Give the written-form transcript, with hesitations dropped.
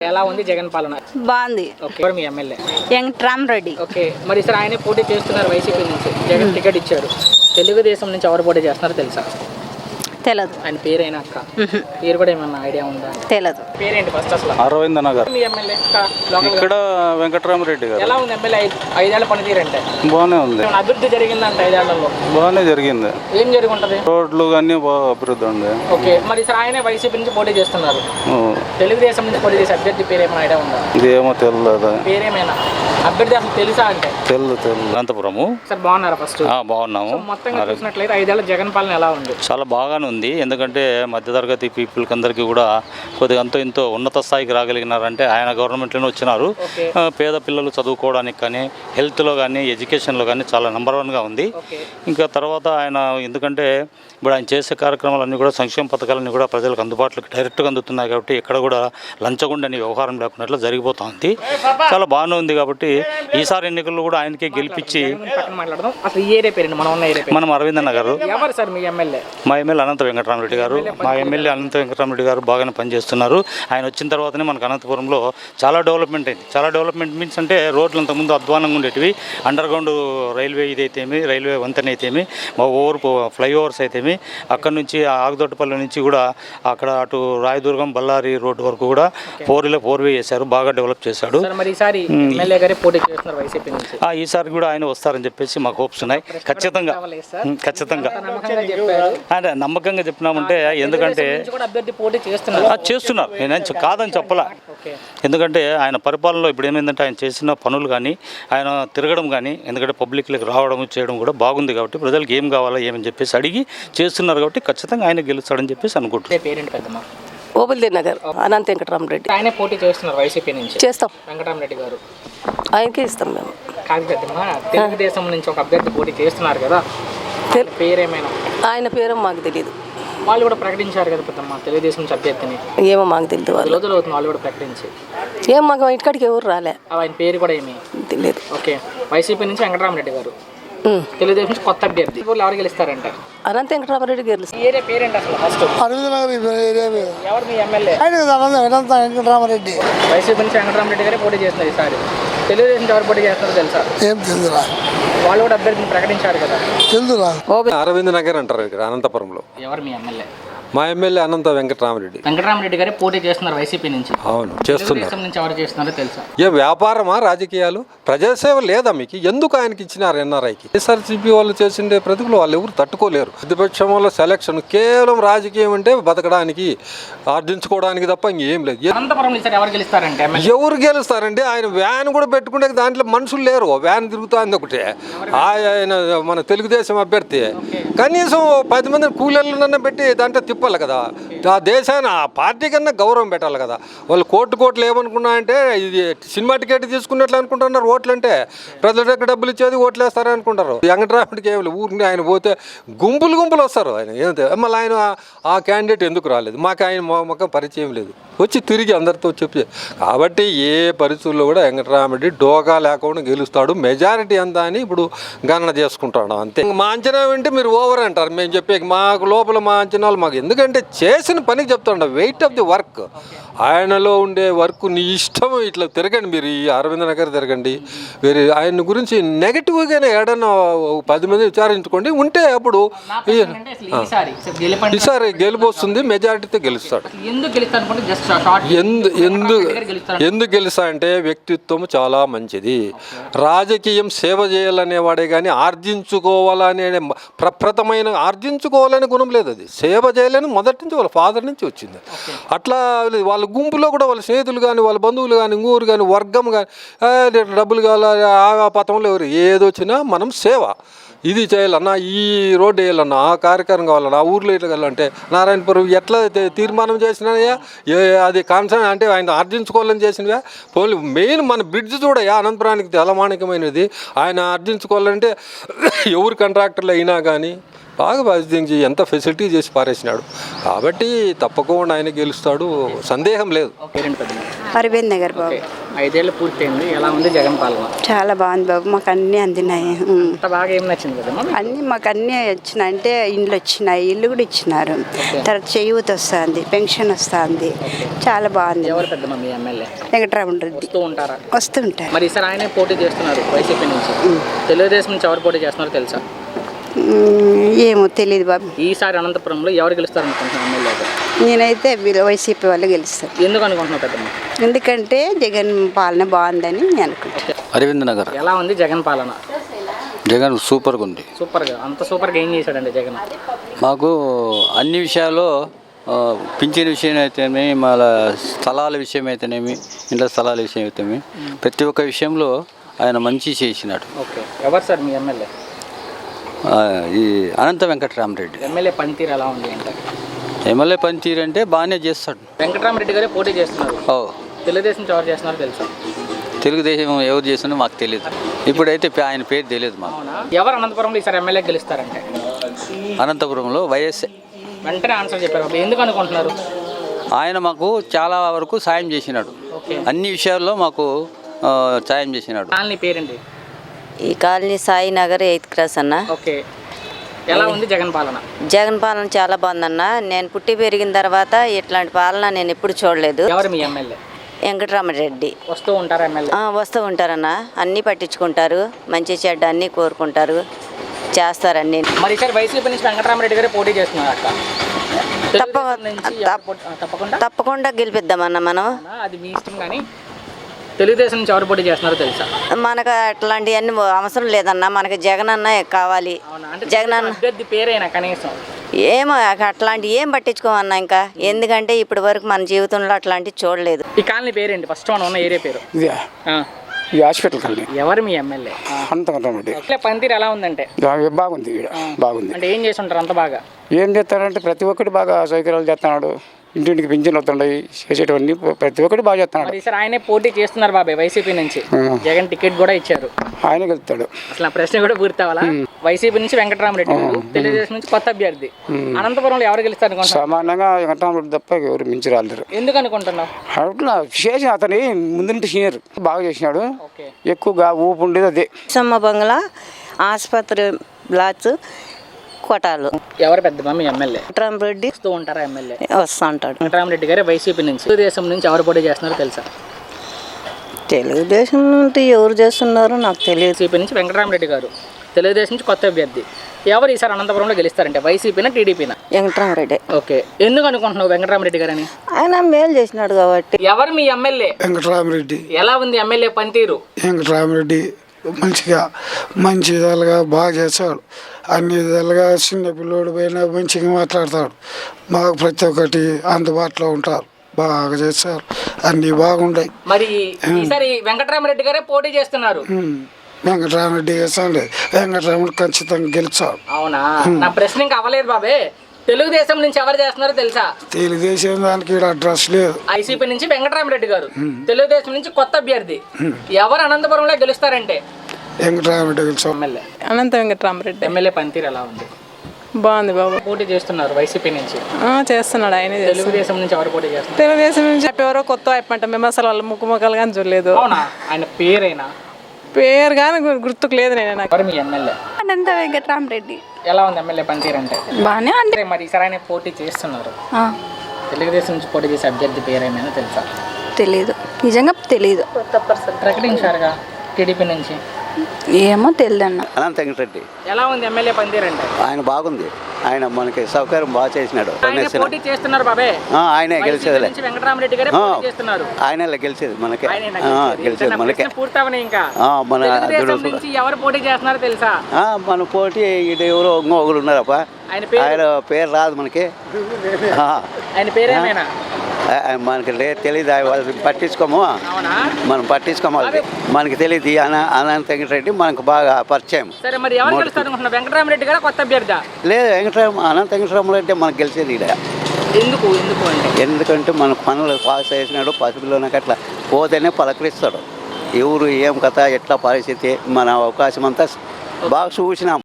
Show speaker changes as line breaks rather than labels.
ఎలా ఉంది జగన్ పాలన?
బాగుంది.
ఓకే, మీ ఎమ్మెల్యే
వెంకట్రామరెడ్డి.
ఓకే, మరి సార్ ఆయనే పోటీ చేస్తున్నారు వైసీపీ నుంచి, జగన్ టికెట్ ఇచ్చారు. తెలుగుదేశం నుంచి ఎవరు పోటీ చేస్తున్నారో తెలుసా?
తెలదు.
ఆయన పేరైనా అక్క పేరు కూడా ఏమన్నా ఐడియా ఉందా?
తెలదు.
పేరేంటి ఫస్ట్ అసలు?
అరవింద్ నగర్.
మీ ఎమ్మెల్యే
ఇక్కడ వెంకట్రామరెడ్డి గారు.
ఎలా ఉంది ఎమ్మెల్యే 5 ఏళ్ల పనితీరంటే?
బాగానే ఉంది.
అభివృద్ధి జరిగిందంట 5 ఏళ్లలో?
బాగానే జరిగింది.
ఏం జరిగి ఉంటది?
రోడ్లు అన్ని బాగా అభివృద్ధి ఉంది.
ఓకే, మరి సార్ ఆయనే వైసీపీ నుంచి పోటీ చేస్తున్నారు. తెలుగుదేశం నుంచి పోటీ చేసే అభ్యర్థి పేరు ఏమైనా ఐడియా ఉందా?
ఇదేమో తెలియదు.
పేరేమైనా అభ్యర్థి అసలు తెలుసా అంటే?
తెలియదు. అనంతపురము.
సార్ బాగున్నారా? ఫస్ట్
బాగున్నాము.
మొత్తంగా చూసినట్లయితే 5 ఏళ్ల జగన్ పాలన ఎలా ఉంది?
చాలా బాగానే ఉంది. ఎందుకంటే మధ్యతరగతి పీపుల్కి అందరికీ కూడా కొద్దిగా అంతో ఇంతో ఉన్నత స్థాయికి రాగలిగినారంటే ఆయన గవర్నమెంట్లోనే వచ్చినారు. పేద పిల్లలు చదువుకోవడానికి కానీ, హెల్త్లో కానీ, ఎడ్యుకేషన్లో కానీ చాలా నెంబర్ 1గా ఉంది. ఇంకా తర్వాత ఆయన ఎందుకంటే ఇప్పుడు ఆయన చేసే కార్యక్రమాలన్నీ కూడా సంక్షేమ పథకాలన్నీ కూడా ప్రజలకు అందుబాటులోకి డైరెక్ట్గా అందుతున్నాయి కాబట్టి ఎక్కడ కూడా లంచగొండని వ్యవహారం లేకుండా జరిగిపోతుంది. చాలా బాగానే ఉంది. కాబట్టి ఈసారి ఎన్నికల్లో కూడా ఆయనకే గెలిపించి మనం అరవింద్ నగర్. మా ఎమ్మెల్యే అనంత వెంకటరామరెడ్డి గారు. మా ఎమ్మెల్యే అనంత వెంకటరామరెడ్డి గారు బాగానే పనిచేస్తున్నారు. ఆయన వచ్చిన తర్వాతనే మనకు అనంతపురంలో చాలా డెవలప్మెంట్ అయింది. చాలా డెవలప్మెంట్ మీన్స్ అంటే రోడ్లు అంతకుముందు అధ్వానంగా ఉండేటివి. అండర్ గ్రౌండ్ రైల్వే ఇదైతేమి, రైల్వే వంతెన అయితేమి, ఫ్లైఓవర్స్ అయితేమి, అక్కడ నుంచి ఆగదొట్టపల్లి నుంచి కూడా అక్కడ అటు రాయదుర్గం బళ్ళారి రోడ్డు వరకు కూడా 4వే చేశారు. బాగా డెవలప్ చేశాడు. ఈసారి కూడా ఆయన వస్తారని చెప్పేసి మాకు హోప్స్ ఉన్నాయి. ఖచ్చితంగా అంటే నమ్మకంగా చెప్పినామంటే ఎందుకంటే చేస్తున్నారు. నేను కాదని చెప్పలా. ఎందుకంటే ఆయన పరిపాలనలో ఇప్పుడు ఏమైందంటే ఆయన చేసిన పనులు కానీ, ఆయన తిరగడం కానీ, ఎందుకంటే పబ్లిక్లోకి రావడం చేయడం కూడా బాగుంది. కాబట్టి ప్రజలకు ఏం కావాలా ఏమని చెప్పేసి అడిగి చేస్తున్నారు. కాబట్టి ఖచ్చితంగా ఆయన గెలుస్తాడని చెప్పేసి అనుకుంటున్నాను.
ఓబుల్దే నగర్ అనంత వెంకటరామరెడ్డి.
ఆయనే పోటీ చేస్తున్నారు వైసీపీ నుంచి.
చేస్తాం.
వెంకటరామరెడ్డి గారు
ఆయనకే ఇస్తాం మేము.
కాదు పెద్దమ్మా, తెలుగుదేశం నుంచి ఒక అభ్యర్థి పోటీ చేస్తున్నారు కదా, పేరేమైనా?
ఆయన పేరు మాకు తెలియదు.
వాళ్ళు కూడా ప్రకటించారు కదా పెద్దమ్మ తెలుగుదేశం నుంచి అభ్యర్థిని.
ఏమో మాకు తెలియదు.
వాళ్ళు రోజులు అవుతుంది వాళ్ళు కూడా ప్రకటించి.
ఏం మాకు ఇంటికాడికి ఎవరు రాలే.
ఆయన పేరు కూడా ఏమి
తెలియదు.
ఓకే, వైసీపీ నుంచి వెంకటరామరెడ్డి గారు, తెలుగుదేశం నుంచి కొత్త అభ్యర్థి. ఎవరు గెలుస్తారంటే?
అనంత వెంకటరామరెడ్డి గెలుస్తారు.
ఏరియా పేరేంటి అసలు? ఫస్ట్ ఎవరు మీ ఎమ్మెల్యే?
అనంత వెంకటరామరెడ్డి.
వైసీపీ నుంచి వెంకటరామరెడ్డి గారే పోటీ చేస్తున్నారు ఈసారి. తెలుగుదేశం ఎవరు పోటీ చేస్తున్నారో తెలుసా?
ఏం తెలుదురా.
వాళ్ళు కూడా అభ్యర్థిని ప్రకటించారు కదా.
తెలుదురా.
అరవింద్ నగర్ అంటారు ఇక్కడ అనంతపురంలో.
ఎవరు మీ ఎమ్మెల్యే?
మా ఎమ్మెల్యే అనంత వెంకటరామరెడ్డి.
వెంకటరామరెడ్డి గారే పోటీ చేస్తున్నారు వైసీపీ నుంచి.
అవును, చేస్తున్నారు.
తెలుగుదేశం నుంచి ఎవరు చేస్తున్నారో తెలుసా?
ఏ వ్యాపారమా రాజకీయాలు? ప్రజాసేవ లేదా మీకు? ఎందుకు ఆయనకి ఇచ్చినారు ఎన్ఆర్ఐకి? ఎస్ఆర్సీపీ వాళ్ళు చేసిండే ప్రతికూలు వాళ్ళు ఎవరు తట్టుకోలేరు. ప్రతిపక్షం వల్ల సెలక్షన్ కేవలం రాజకీయం అంటే బతకడానికి ఆర్జించుకోవడానికి తప్ప ఇంకేం లేదు.
అనంతపురం ఎవరు గెలుస్తారంటే?
ఎవరు గెలుస్తారంటే ఆయన వ్యాన్ కూడా పెట్టుకుంటే దాంట్లో మనుషులు లేరు. వ్యాన్ తిరుగుతుంది ఒకటే. ఆయన మన తెలుగుదేశం అభ్యర్థి కనీసం 10 మంది కూలీలన్నా పెట్టి దాంట్లో తిప్పాలి కదా. ఆ దేశాన్ని ఆ పార్టీ కన్నా గౌరవం పెట్టాలి కదా. వాళ్ళు కోట్లు ఏమనుకున్నా అంటే ఇది సినిమా టికెట్ తీసుకున్నట్లు అనుకుంటున్నారు. ఓట్లు అంటే ప్రజల దగ్గర డబ్బులు ఇచ్చేది ఓట్లు వేస్తారని అనుకుంటారు. వెంకటరామరెడ్డికి ఏమి ఊరికి ఆయన పోతే గుంపులు వస్తారు. ఆయన ఏమిటి మళ్ళీ ఆయన ఆ క్యాండిడేట్ ఎందుకు రాలేదు? మాకు ఆయన మొక్క పరిచయం లేదు. వచ్చి తిరిగి అందరితో చెప్పి కాబట్టి ఏ పరిస్థితుల్లో కూడా వెంకటరామరెడ్డి డోకా లేకుండా గెలుస్తాడు. మెజారిటీ అంతా అని ఇప్పుడు గణన చేసుకుంటాడు అంతే. మా అంచనా వింటే మీరు ఓవర్ అంటారు. మేము చెప్పే మాకు లోపల మా అంచనాలు మాకు ఎందుకంటే చేసిన పనికి చెప్తాడు. వెయిట్ ఆఫ్ ది వర్క్, ఆయనలో ఉండే వర్క్ నీ ఇష్టం. ఇట్లా తిరగండి మీరు, ఈ అరవింద్ నగర్ తిరగండి. వేరే ఆయన గురించి నెగిటివ్గానే ఏడన్నా 10 మంది విచారించుకోండి. ఉంటే అప్పుడు ఈసారి గెలుపు వస్తుంది. మెజారిటీతో గెలుస్తాడు. ఎందుకు గెలుస్తా అంటే వ్యక్తిత్వం చాలా మంచిది. రాజకీయం సేవ చేయాలనేవాడే కానీ ఆర్జించుకోవాలనే ప్రప్రథమైన ఆర్జించుకోవాలనే గుణం లేదు. అది సేవ చేయాలని మొదటి నుంచి వాళ్ళ ఫాదర్ నుంచి వచ్చింది. అట్లా వాళ్ళ గుంపులో కూడా వాళ్ళ స్నేహితులు కానీ, వాళ్ళ బంధువులు కానీ, ఇంగూరు కానీ, వర్గం కానీ డబ్బులు కావాలి ఆ పథంలో ఎవరు ఏదొచ్చినా మనం సేవ ఇది చేయాలన్నా, ఈ రోడ్డు వేయాలన్నా, ఆ కార్యక్రమం కావాలన్నా, ఆ ఊర్లో ఇట్లా వెళ్ళాలంటే నారాయణపురం ఎట్లా తీర్మానం చేసినాయా అది కాన్సన్ అంటే ఆయన ఆర్జించుకోవాలని చేసినవా. పోనీ మెయిన్ మన బ్రిడ్జ్ చూడయా అనంతపురానికి తలమాణికమైనది. ఆయన ఆర్జించుకోవాలంటే ఎవరు కాంట్రాక్టర్లు అయినా కానీ బాగా అభివృద్ధి ఎంత ఫెసిలిటీ చేసి పారేసినాడు కాబట్టి తప్పకుండా ఆయన గెలుస్తాడు, సందేహం లేదు.
పేరెంట్ పెద్ద
అరవింద్ నగర్ బాబు.
5 ఏళ్ళు పూర్తయింది, ఎలా ఉంది జగన్ పాలన?
చాలా బాగుంది బాబు, మాకు అన్నీ అందినాయి.
అంత బాగా ఏం నచ్చింది కదమ్మా?
అన్నీ మాకు అన్నీ వచ్చినాయి, అంటే ఇండ్లు వచ్చినాయి, ఇల్లు కూడా ఇచ్చినారు. తర్వాత చేయూత వస్తుంది, పెన్షన్ వస్తుంది, చాలా బాగుంది.
ఎవరు పెద్దమ్మ మీ ఎమ్మెల్యే?
వెంకటరామన్ రెడ్డి
వస్తూ ఉంటారా?
వస్తుంటారు.
మరి ఈసారి ఆయనే పోటీ చేస్తున్నారు వైసీపీ నుంచి, తెలుగుదేశం నుంచి ఎవరు పోటీ చేస్తున్నారో తెలుసా?
ఏమో తెలియదు బాబు.
ఈసారి అనంతపురంలో ఎవరు గెలుస్తారు అనుకుంటున్నారు ఎమ్మెల్యేగా?
నేనైతే వైసీపీ వాళ్ళు గెలుస్తారు.
ఎందుకు అనుకుంటున్నావు పెద్దమ్మ?
ఎందుకంటే జగన్ పాలన బాగుందని నేను అనుకుంటాను.
అరవింద్ నగర్.
ఎలా ఉంది జగన్ పాలన?
జగన్ సూపర్గా ఉంది.
సూపర్గా, అంత సూపర్గా ఏం చేశాడండి జగన్?
మాకు అన్ని విషయాల్లో పింఛన్ విషయం అయితేనేమి, మళ్ళీ స్థలాల విషయం అయితేనేమి, ఇంట్లో స్థలాల విషయం అయితేనేమి, ప్రతి ఒక్క విషయంలో ఆయన మంచి చేసినాడు.
ఓకే, ఎవరు సార్ మీ ఎమ్మెల్యే?
ఈ అనంత వెంకటరామరెడ్డి.
ఎమ్మెల్యే పనితీరు ఎలా ఉంది అంటే?
ఎమ్మెల్యే పనితీరు అంటే బాగానే చేస్తాడు.
వెంకటరామరెడ్డి గారే పోటీ చేస్తున్నారు,
ఓ
తెలుగుదేశం నుంచి ఎవరు చేస్తున్నారో తెలుసా?
తెలుగుదేశం ఎవరు చేస్తున్నా మాకు తెలియదు, ఇప్పుడైతే ఆయన పేరు తెలియదు మాకు.
అవునా? ఎవరు అనంతపురంలో ఈసారి ఎమ్మెల్యే గెలుస్తారంటే?
అనంతపురంలో వైఎస్ఏ.
వెంటనే ఆన్సర్ చెప్పారు, ఎందుకు అనుకుంటున్నారు?
ఆయన మాకు చాలా వరకు సాయం చేసినాడు, అన్ని విషయాల్లో మాకు సాయం చేసినాడు.
కాలనీ పేరేంటి?
ఈ colony Sai Nagar 8th cross అన్న.
ఓకే, ఎలా ఉంది జగన్ పాలన?
జగన్ పాలన చాలా బాగుందన్న. నేను పుట్టి పెరిగిన తర్వాత ఇట్లాంటి పాలన నేను ఎప్పుడు చూడలేదు.
ఎవరు మీ ఎమ్మెల్యే?
వెంకటరామరెడ్డి.
వస్తూ ఉంటారా ఎమ్మెల్యే?
వస్తూ ఉంటారన్న, అన్నీ పట్టించుకుంటారు, మంచి చెడ్డ అన్నీ కోరుకుంటారు, చేస్తారన్నీ.
మరి ఈసారి వైసీపీ నుంచి వెంకటరామరెడ్డి గారే పోటీ చేస్తున్నారు అక్క. తప్పకుండా
తప్పకుండా గెలిపిద్దామన్న మనం.
అది మీ ఇష్టం, కానీ తెలుగుదేశం నుంచి ఎవరు పోటీ చేస్తున్నారో తెలుసా?
మనకు అట్లాంటివన్నీ అవసరం లేదన్న, మనకి జగన్ అన్న కావాలి. జగన్ అన్న
అభ్యర్థి పేరైనా కనీసం
ఏమో అట్లాంటివి ఏం పట్టించుకోమన్నా ఇంకా, ఎందుకంటే ఇప్పటి వరకు మన జీవితంలో అట్లాంటివి చూడలేదు.
ఈ కాలనీ పేరేంటి? ఫస్ట్ మనం ఉన్న ఏరియా పేరు?
ఈ హాస్పిటల్ కాలనీ.
ఎవరు మీ ఎమ్మెల్యే?
అనంతరెడ్డి.
పనితీరు ఎలా ఉందంటే?
బాగుంది, బాగుంది.
అంటే ఏం చేసి ఉంటారు అంత బాగా?
ఏం చేస్తారంటే ప్రతి ఒక్కటి బాగా సౌకర్యాలు చేస్తున్నాడు, ఇంటింటికి పింఛన్లు వస్తున్నాయి, చేసేటవన్నీ ప్రతి ఒక్కటి బాగా చేస్తున్నాడు.
ఈసారి ఆయనే పోటీ చేస్తున్నారు బాబాయ్ వైసీపీ నుంచి, జగన్ టికెట్ కూడా ఇచ్చారు,
ఆయనే గెలుస్తాడు.
అసలు ఆ ప్రశ్న కూడా పూర్తి అవ్వాలా? వైసీపీ నుంచి వెంకటరామరెడ్డి గారు, తెలుగుదేశం నుంచి కొత్త అభ్యర్థి. అనంతపురంలో ఎవరు గెలుస్తారు అనుకుంటున్నారు?
సామాన్యంగా వెంకటరామరెడ్డి తప్ప ఎవరు మించి రాలేరు.
ఎందుకు అనుకుంటున్నావు?
అట్లా చేసి అతని ముందు నుండి సీనియర్ బాగా చేసినాడు, ఎక్కువగా ఊపు ఉండేది అదే.
సమ్మ బంగ్లా, ఆసుపత్రి బ్లాక్స్, కోటాలు.
ఎవరు పెద్ద మీ ఎమ్మెల్యే?
వెంకటరామరెడ్డి.
వస్తూ ఉంటారా ఎమ్మెల్యే?
వస్తూ ఉంటాడు.
వెంకటరామరెడ్డి గారే వైసీపీ నుంచి. తెలుగుదేశం నుంచి ఎవరు పోటీ చేస్తున్నారో తెలుసా?
తెలుగుదేశం నుండి ఎవరు చేస్తున్నారో నాకు తెలియదు.
వైసీపీ నుంచి వెంకటరామరెడ్డి గారు, తెలుగుదేశం నుంచి కొత్త అభ్యర్థి. ఎవరు ఈసారి అనంతపురంలో గెలుస్తారంటే? వైసీపీనా టీడీపీనా?
వెంకటరామరెడ్డి.
ఓకే, ఎందుకు అనుకుంటున్నావు వెంకటరామరెడ్డి గారని?
ఆయన మేలు చేసినాడు కాబట్టి.
ఎవరు మీ ఎమ్మెల్యే?
వెంకటరామరెడ్డి.
ఎలా ఉంది ఎమ్మెల్యే పనితీరు?
వెంకటరామరెడ్డి మంచి విధాలుగా బాగా చేస్తాడు, అన్ని విధాలుగా చిన్న పిల్లోడు పైన మంచిగా మాట్లాడతాడు, బాగా ప్రతి ఒక్కటి అందుబాటులో ఉంటారు, బాగా చేస్తారు, అన్నీ బాగుంటాయి.
మరి ఈసారి వెంకటరామరెడ్డి గారే పోటీ చేస్తున్నారు.
వెంకటరామరెడ్డి చేస్తాడు, వెంకటరామరెడ్డి ఖచ్చితంగా గెలిచాడు.
అవునా? నా ప్రశ్న ఇంకా అవ్వలేదు బాబే. తెలుగుదేశం నుంచి ఎవరు చేస్తున్నారో తెలుసా?
తెలుగుదేశం దానికి అడ్రస్ లేదు.
వైసీపీ నుంచి వెంకటరామరెడ్డి గారు, తెలుగుదేశం నుంచి కొత్త అభ్యర్థి. ఎవరు అనంతపురంలో గెలుస్తారంటే?
వెంకటరామరెడ్డి గెలిచాడు.
ఎమ్మెల్యే
అనంత వెంకటరామరెడ్డి.
ఎమ్మెల్యే పనితీరు ఎలా ఉంది?
బాగుంది బాబు.
పోటీ చేస్తున్నారు వైసీపీ నుంచి.
చేస్తున్నాడు ఆయన.
తెలుగుదేశం నుంచి ఎవరు పోటీ చేస్తున్నారు?
తెలుగుదేశం నుంచి ఎవరో కొత్త అయిపోంట, మేము అసలు వాళ్ళ ముఖముఖాలు కానీ చూడలేదు.
అవునా? ఆయన పేరైనా?
పేరు కానీ గుర్తుకు లేదు. నేను
ఎవరు మీ ఎమ్మెల్యే?
అనంత వెంకటరామరెడ్డి.
ఎలా ఉంది ఎమ్మెల్యే పనితీరు అంటే?
బాగానే ఉంది.
మరి ఈసారి ఆయన పోటీ చేస్తున్నారు, తెలుగుదేశం నుంచి పోటీ చేసే అభ్యర్థి పేరేమైనా తెలుసా?
తెలీదు, నిజంగా తెలీదు.
ప్రకటించారుగా టీడీపీ నుంచి.
ఏమో తెలియదన్న.
అనంత వెంకటరెడ్డి.
ఎలా ఉంది ఎమ్మెల్యే పనితీరు అంటే?
ఆయన బాగుంది, ఆయన మనకి సౌకర్యం బాగా చేసినాడు.
పోటీ చేస్తున్నారు బాబే.
ఆయనే గెలిచేది.
వెంకటరామరెడ్డి గారే పోటీ చేస్తున్నారు.
ఆయనే గెలిచేది మనకి, గెలిచేది మనకి.
పూర్తవని ఇంకా
మన
నుంచి ఎవరు పోటీ చేస్తున్నారో తెలుసా?
మన పోటీ ఇటు ఎవరో ఒకరు ఉన్నారప్ప, ఆయన పేరు రాదు మనకి.
ఆయన పేరేమైనా
మనకి తెలియదు, వాళ్ళు పట్టించుకోము, మనం పట్టించుకోవాలి, మనకి తెలియదు. అనంత వెంకటరెడ్డి మనకు బాగా పరిచయం.
సరే, మరి ఎవరు గెలుస్తారు అనుకుంటున్నారు? వెంకటరామరెడ్డి గారు కొత్త అభ్యర్థి?
లేదు, అనంత వెంకటరామరెడ్డి మనకు గెలిచేది ఇక్కడ. ఎందుకంటే మన పనులు పాస్ చేసినాడు, పసిపిల్లలకి అట్లా పోతేనే పలకరిస్తాడు. ఎవరు ఏం కథ ఎట్లా పరిస్థితి మన అవకాశం అంతా బాగా చూసినాం.